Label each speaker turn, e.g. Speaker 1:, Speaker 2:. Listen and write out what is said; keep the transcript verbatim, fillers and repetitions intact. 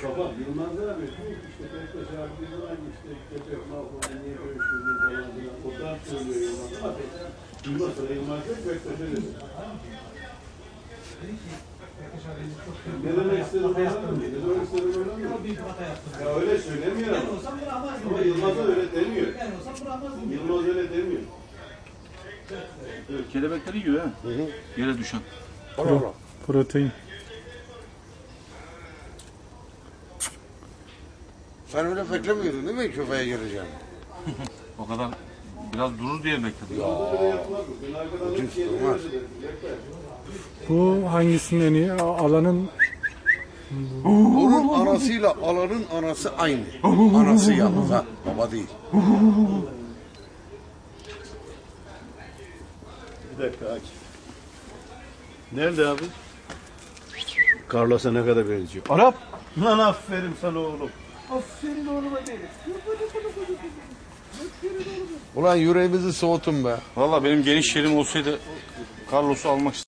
Speaker 1: Baba Yılmaz'la abi işte Bektaş abi bir zaman işte köpek mahvoldu niye görüşüyoruz falan filan. O da söylüyor Yılmaz ama Yılmaz sonra Yılmaz yok Bektaş'a dedi. Ne demek istediğini anladın mı? Ne demek istediğini anladın mı? Ya öyle söylemiyor ama. Ama Yılmaz öyle demiyor. Yılmaz öyle demiyor.
Speaker 2: Kelebekleri yiyor ha.
Speaker 3: Hı hı.
Speaker 2: Yere düşen.
Speaker 3: Pro,
Speaker 4: Protein.
Speaker 3: sen öyle beklemiyordun değil mi köpeğe geleceğim?
Speaker 2: O kadar biraz durur diye bekledim.
Speaker 3: Ya. Ucuz durmaz.
Speaker 4: Bu hangisinin en iyi? Alanın
Speaker 3: Onun anasıyla alanın anası aynı. Anası yalnız ha, baba değil.
Speaker 1: Bir dakika aç. Nerede abi? Carlos'a ne kadar benziyor? Arap! Lan aferin sana oğlum. Aferin oğluma derim.
Speaker 3: Ulan yüreğimizi soğutun be.
Speaker 2: Valla benim geniş yerim olsaydı Carlos'u almak isterdim.